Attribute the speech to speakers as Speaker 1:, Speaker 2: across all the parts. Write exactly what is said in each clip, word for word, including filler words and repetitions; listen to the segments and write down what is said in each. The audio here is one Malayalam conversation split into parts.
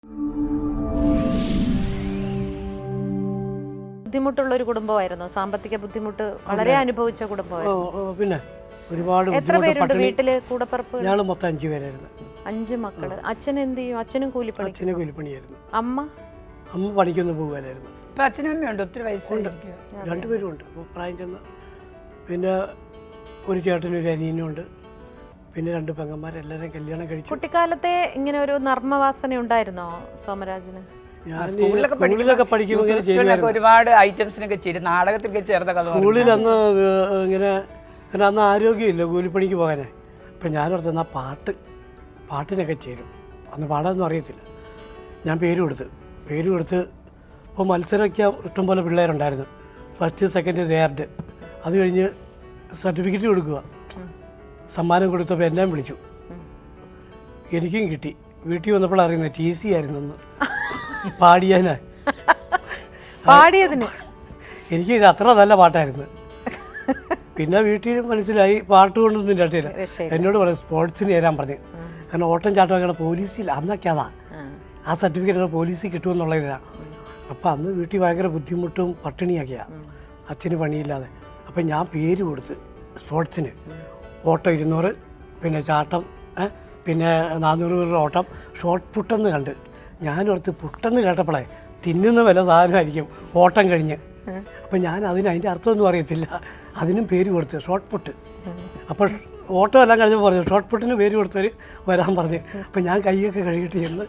Speaker 1: ബുദ്ധിമുട്ടുള്ള ഒരു കുടുംബമായിരുന്നു. സാമ്പത്തിക ബുദ്ധിമുട്ട് വളരെ അനുഭവിച്ച കുടുംബമായിരുന്നു.
Speaker 2: പിന്നെ ഒരുപാട്
Speaker 1: എത്ര പേരുണ്ട് വീട്ടില് കൂടപ്പറപ്പ്?
Speaker 2: ഞങ്ങൾ മൊത്തം അഞ്ചു പേരായിരുന്നു.
Speaker 1: അഞ്ച് മക്കള്. അച്ഛൻ എന്ത് ചെയ്യും? അച്ഛനും കൂലിപ്പണി.
Speaker 2: അച്ഛന് കൂലിപ്പണിയായിരുന്നു.
Speaker 1: അമ്മ
Speaker 2: അമ്മ പണിക്കൊന്നും പോകുവാനായിരുന്നു.
Speaker 3: അച്ഛനും അമ്മയുണ്ട്, ഒത്തിരി വയസ്സുണ്ട്,
Speaker 2: രണ്ടുപേരും ഉണ്ട് പ്രായം ചെന്ന്. പിന്നെ ഒരു ചേട്ടനും ഒരു അനിയനും ഉണ്ട്. പിന്നെ രണ്ട് പെങ്ങന്മാരെല്ലാവരും കല്യാണം കഴിച്ചു.
Speaker 1: കുട്ടിക്കാലത്തെ ഇങ്ങനെ ഒരു നർമ്മവാസന ഉണ്ടായിരുന്നോ സോമരാജന്?
Speaker 2: സ്കൂളിലൊക്കെ പഠിക്കുമ്പോൾ
Speaker 3: ഒരുപാട് ഐറ്റംസിനൊക്കെ ചേരും, നാടകത്തിലൊക്കെ ചേർന്ന
Speaker 2: സ്കൂളിൽ അന്ന് ഇങ്ങനെ പിന്നെ അന്ന് ആരോഗ്യമില്ല കൂലിപ്പണിക്ക് പോകാനേ. അപ്പം ഞാനോർത്ത് എന്നാൽ പാട്ട് പാട്ടിനൊക്കെ ചേരും. അന്ന് പാടാനൊന്നും അറിയത്തില്ല. ഞാൻ പേര് കൊടുത്ത് പേര് കൊടുത്ത് ഇപ്പോൾ മത്സരമൊക്കെ ഇഷ്ടംപോലെ പിള്ളേരുണ്ടായിരുന്നു. First second third. അത് കഴിഞ്ഞ് സർട്ടിഫിക്കറ്റ് കൊടുക്കുക. സമ്മാനം കൊടുത്തപ്പോൾ എന്നെ വിളിച്ചു. എനിക്കും കിട്ടി. വീട്ടിൽ വന്നപ്പോൾ അറിയുന്നത് ടി സി ആയിരുന്നെന്ന്. പാടിയാനാ
Speaker 1: പാടിയതിന്
Speaker 2: എനിക്ക് അത്ര നല്ല പാട്ടായിരുന്നു. പിന്നെ വീട്ടിൽ മനസ്സിലായി പാട്ട് കൊണ്ടൊന്നും രക്ഷയില്ല. എന്നോട് പറയും സ്പോർട്സിന് ചേരാൻ പറഞ്ഞു. കാരണം ഓട്ടം ചാട്ടമൊക്കെയാണ് പോലീസിൽ അന്നൊക്കെ അതാ ആ സർട്ടിഫിക്കറ്റ് പോലീസിൽ കിട്ടുമെന്നുള്ളതിലാണ്. അപ്പം അന്ന് വീട്ടിൽ ഭയങ്കര ബുദ്ധിമുട്ടും പട്ടിണിയൊക്കെയാണ്, അച്ഛന് പണിയില്ലാതെ. അപ്പം ഞാൻ പേര് കൊടുത്ത് സ്പോർട്സിന് ഓട്ടം ഇരുന്നൂറ്, പിന്നെ ചാട്ടം, പിന്നെ നാനൂറ് മീറ്റർ ഓട്ടം, ഷോർട്ട് പുട്ടെന്ന് കണ്ട് ഞാനോർത്ത് പുട്ടെന്ന് കേട്ടപ്പോഴേ തിന്നുന്ന വില സാധനമായിരിക്കും ഓട്ടം കഴിഞ്ഞ്. അപ്പം ഞാൻ അതിന് അതിൻ്റെ അർത്ഥമൊന്നും അറിയത്തില്ല. അതിനും പേര് കൊടുത്ത് ഷോർട്ട് പുട്ട്. അപ്പോൾ ഓട്ടം എല്ലാം കഴിഞ്ഞപ്പോൾ പറഞ്ഞു ഷോർട്ട് പുട്ടിന് പേര് കൊടുത്തവർ വരാൻ പറഞ്ഞു. അപ്പം ഞാൻ കൈയൊക്കെ കഴുകിയിട്ട് ചെന്ന്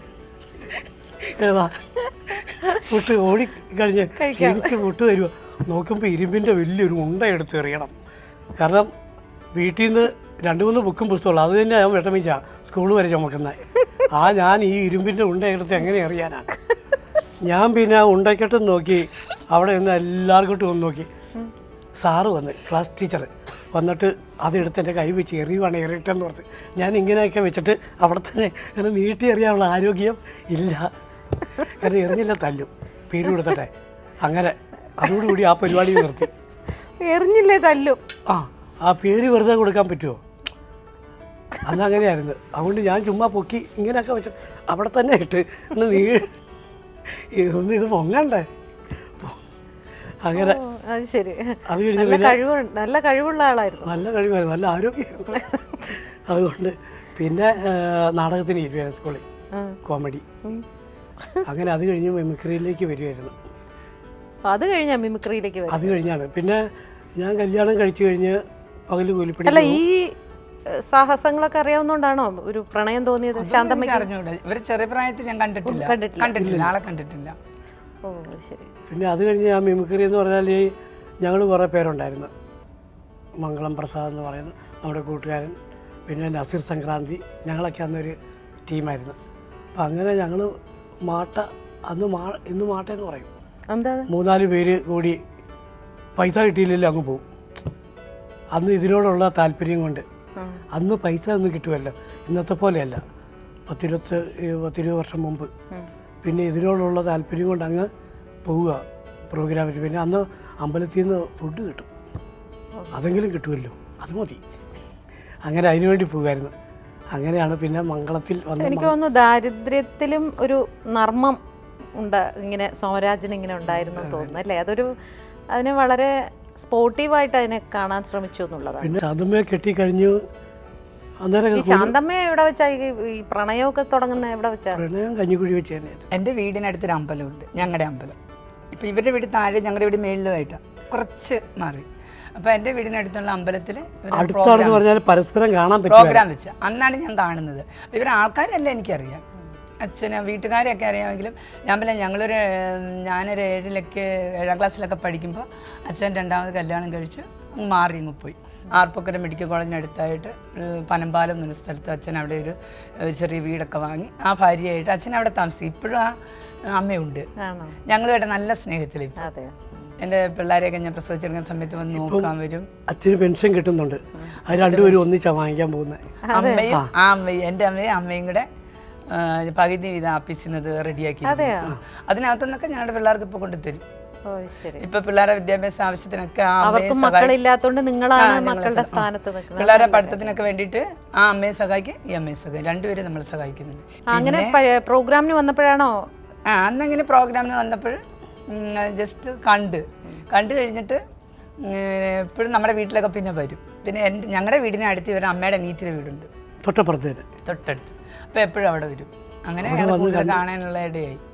Speaker 2: ഏതാ പുട്ട് ഓടി കഴിഞ്ഞ് ക്ഷീണിച്ച് പുട്ട് തരുമോ നോക്കുമ്പോൾ ഇരുമ്പിൻ്റെ വലിയൊരു ഉണ്ട എടുത്ത് എറിയണം. കാരണം വീട്ടിൽ നിന്ന് രണ്ട് മൂന്ന് ബുക്കും പുസ്തകമുള്ളൂ. അത് തന്നെ ഞാൻ വിഷമിച്ചാ സ്കൂൾ വരെ ചുമക്കുന്നത്. ആ ഞാൻ ഈ ഇരുമ്പിൻ്റെ ഉണ്ട എടുത്ത് എങ്ങനെ അറിയാനാണ്? ഞാൻ പിന്നെ ഉണ്ടക്കെട്ടും നോക്കി അവിടെ നിന്ന് എല്ലാവർക്കും ഒന്ന് നോക്കി. സാറ് വന്ന് ക്ലാസ് ടീച്ചർ വന്നിട്ട് അതെടുത്ത് എൻ്റെ കൈ വെച്ച് എറിയുവാണ് എറിയിട്ടെന്ന് പറഞ്ഞ് ഞാൻ ഇങ്ങനെയൊക്കെ വെച്ചിട്ട് അവിടെ തന്നെ അങ്ങനെ നീട്ടി എറിയാനുള്ള ആരോഗ്യം ഇല്ല. കാരണം എറിഞ്ഞില്ല തല്ലും പേര് കൊടുത്തട്ടെ. അങ്ങനെ അതോടുകൂടി ആ പരിപാടി നിർത്തി.
Speaker 1: എറിഞ്ഞില്ലേ തല്ലും?
Speaker 2: ആ ആ പേര് വെറുതെ കൊടുക്കാൻ പറ്റുമോ? അന്നങ്ങനെയായിരുന്നു. അതുകൊണ്ട് ഞാൻ ചുമ്മാ പൊക്കി ഇങ്ങനെയൊക്കെ വെച്ച് അവിടെ തന്നെ ഇട്ട് ഒന്ന് നീ ഒന്ന് ഇത് പൊങ്ങണ്ടേ. അങ്ങനെ
Speaker 1: ശരി.
Speaker 2: അത് കഴിഞ്ഞ്
Speaker 1: നല്ല കഴിവുള്ള ആളായിരുന്നു.
Speaker 2: നല്ല കഴിവായിരുന്നു, നല്ല ആരോഗ്യമായിരുന്നു. അതുകൊണ്ട് പിന്നെ നാടകത്തിന് ഇരുവായിരുന്നു സ്കൂളിൽ, കോമഡി. അങ്ങനെ അത് കഴിഞ്ഞ് മിമിക്രിയിലേക്ക് വരുമായിരുന്നു.
Speaker 1: അത് കഴിഞ്ഞാ മിമിക്രിയിലേക്ക് വരും? അത്
Speaker 2: കഴിഞ്ഞാണ്. പിന്നെ ഞാൻ കല്യാണം കഴിച്ചു കഴിഞ്ഞ് പകല് കൂലിപ്പണി.
Speaker 1: അല്ല, ഈ സാഹസങ്ങളൊക്കെ അറിയാവുന്നോണ്ടാണോ ഒരു പ്രണയം തോന്നിയത്? ശാന്തമ്മയ്ക്ക്
Speaker 3: അറിഞ്ഞൂടെ? ഇവർ ചെറിയ പ്രായത്തിൽ ഞാൻ കണ്ടിട്ടില്ല കണ്ടിട്ടില്ല ആളെ കണ്ടിട്ടില്ല.
Speaker 1: ഓ ശരി.
Speaker 2: പിന്നെ അത് കഴിഞ്ഞ് ആ മിമിക്രി എന്ന് പറഞ്ഞാൽ ഞങ്ങൾ കുറേ പേരുണ്ടായിരുന്നു. മംഗളം പ്രസാദ് എന്ന് പറയുന്ന നമ്മുടെ കൂട്ടുകാരൻ, പിന്നെ നസീർ സംക്രാന്തി, ഞങ്ങളൊക്കെ അന്നൊരു ടീമായിരുന്നു. അപ്പം അങ്ങനെ ഞങ്ങൾ മാട്ട അന്ന് മാ ഇന്ന് മാട്ടയെന്ന് പറയും.
Speaker 1: എന്താ? മൂന്നാല്
Speaker 2: പേര് കൂടി പൈസ കിട്ടിയില്ലല്ലോ അങ്ങ് പോകും. അന്ന് ഇതിനോടുള്ള താല്പര്യം കൊണ്ട്. അന്ന് പൈസ ഒന്നും കിട്ടുമല്ലോ, ഇന്നത്തെ പോലെയല്ല. പത്തിരുപത്ത് പത്തിരുപത് വർഷം മുമ്പ്. പിന്നെ ഇതിനോടുള്ള താല്പര്യം കൊണ്ട് അങ്ങ് പോവുക പ്രോഗ്രാമിന്. പിന്നെ അന്ന് അമ്പലത്തിൽ നിന്ന് ഫുഡ് കിട്ടും, അതെങ്കിലും കിട്ടുമല്ലോ, അത് മതി. അങ്ങനെ അതിനുവേണ്ടി പോകുമായിരുന്നു. അങ്ങനെയാണ് പിന്നെ മംഗളത്തിൽ വന്ന്.
Speaker 1: എനിക്ക് തോന്നുന്നു ദാരിദ്ര്യത്തിലും ഒരു നർമ്മം ഉണ്ട് ഇങ്ങനെ സോമരാജന് ഇങ്ങനെ ഉണ്ടായിരുന്നു തോന്നുന്നു അല്ലേ? അതൊരു അതിനെ വളരെ സ്പോർട്ടീവായിട്ട് അതിനെ കാണാൻ ശ്രമിച്ചു എന്നുള്ളതാണ്.
Speaker 2: പിന്നെ ശാന്തമ്മയെ കെട്ടിക്കഴിഞ്ഞു. അന്നേരം
Speaker 1: ശാന്തമ്മ എവിടെ വെച്ചാ ഈ പ്രണയമൊക്കെ തുടങ്ങുന്ന എവിടെ വെച്ചാ?
Speaker 2: പ്രണയം കഞ്ഞിക്കുഴി വെച്ച് തന്നെ.
Speaker 3: എൻ്റെ വീടിനടുത്തൊരു അമ്പലമുണ്ട്, ഞങ്ങളുടെ അമ്പലം. ഇപ്പം ഇവരുടെ വീട് താഴെ, ഞങ്ങളുടെ വീട് മേളിലുമായിട്ടാണ്, കുറച്ച് മാറി. അപ്പോൾ എൻ്റെ വീടിനടുത്തുള്ള അമ്പലത്തിൽ
Speaker 2: പരസ്പരം കാണാൻ
Speaker 3: പ്രോഗ്രാം വെച്ച് അന്നാണ് ഞാൻ കാണുന്നത്. ഇവർ ആൾക്കാരല്ല എനിക്കറിയാം, അച്ഛനെ വീട്ടുകാരെയൊക്കെ അറിയാമെങ്കിലും ഞാൻ പിന്നെ ഞങ്ങളൊരു ഞാനൊരു ഏഴിലൊക്കെ ഏഴാം ക്ലാസ്സിലൊക്കെ പഠിക്കുമ്പോൾ അച്ഛൻ രണ്ടാമത് കല്യാണം കഴിച്ചു മാറി അങ്ങ് പോയി. ആർപ്പക്കര മെഡിക്കൽ കോളേജിനടുത്തായിട്ട് പനമ്പാലം എന്നൊരു സ്ഥലത്ത് അച്ഛൻ അവിടെ ഒരു ചെറിയ വീടൊക്കെ വാങ്ങി ആ ഭാര്യയായിട്ട് അച്ഛൻ അവിടെ താമസിക്കും. ഇപ്പോഴും ആ അമ്മയുണ്ട്. ഞങ്ങളുമായിട്ട് നല്ല സ്നേഹത്തിൽ. എൻ്റെ പിള്ളേരെയൊക്കെ ഞാൻ പ്രസവിച്ചെടുക്കുന്ന സമയത്ത് വന്ന് നോക്കാൻ വരും.
Speaker 2: അച്ഛന് പെൻഷൻ കിട്ടുന്നുണ്ട്, അത് രണ്ടുപേരും ഒന്നിച്ചാണ് വാങ്ങിക്കാൻ പോകുന്നത്.
Speaker 3: അമ്മയും ആ അമ്മയും എൻ്റെ അമ്മയും അമ്മയും കൂടെ പകുതി വീതം ആപ്പിക്കുന്നത് റെഡിയാക്കി. അതിനകത്തുനിന്നൊക്കെ ഞങ്ങളുടെ പിള്ളേർക്ക് ഇപ്പോൾ കൊണ്ടുതരും.
Speaker 1: ഓ ശരി.
Speaker 3: ഇപ്പൊ പിള്ളേരുടെ വിദ്യാഭ്യാസ ആവശ്യത്തിനൊക്കെ ആ അമ്മയെ
Speaker 1: അവർക്ക്
Speaker 3: സഹായിക്കും.
Speaker 1: മക്കളില്ലാത്തോണ്ട് നിങ്ങളാണ് മക്കളുടെ സ്ഥാനത്ത് നിൽക്കുന്നത്.
Speaker 3: പിള്ളേരുടെ പഠിത്തത്തിനൊക്കെ വേണ്ടിയിട്ട് ആ അമ്മയെ സഹായിക്കും, ഈ അമ്മയെ സഹായിക്കും, രണ്ടുപേരും നമ്മൾ സഹായിക്കുന്നുണ്ട്.
Speaker 1: അങ്ങനെ പ- പ്രോഗ്രാമിന് വന്നപ്പോഴാണോ?
Speaker 3: ആ അന്നങ്ങനെ പ്രോഗ്രാമിന് വന്നപ്പോൾ ജസ്റ്റ് കണ്ട് കണ്ടു കഴിഞ്ഞിട്ട് എപ്പോഴും നമ്മുടെ വീട്ടിലൊക്കെ പിന്നെ വരും. പിന്നെ എൻ്റെ ഞങ്ങളുടെ വീടിന് അടുത്ത് ഇവരുടെ അമ്മയുടെ അനിയത്തിയുടെ വീടുണ്ട്
Speaker 2: തൊട്ടപ്പുറത്തേന്
Speaker 3: തൊട്ടടുത്ത്. അപ്പോൾ എപ്പോഴും അവിടെ വരും. അങ്ങനെ ഞങ്ങൾ കൂടുതൽ കാണാനുള്ള ഇടയായി.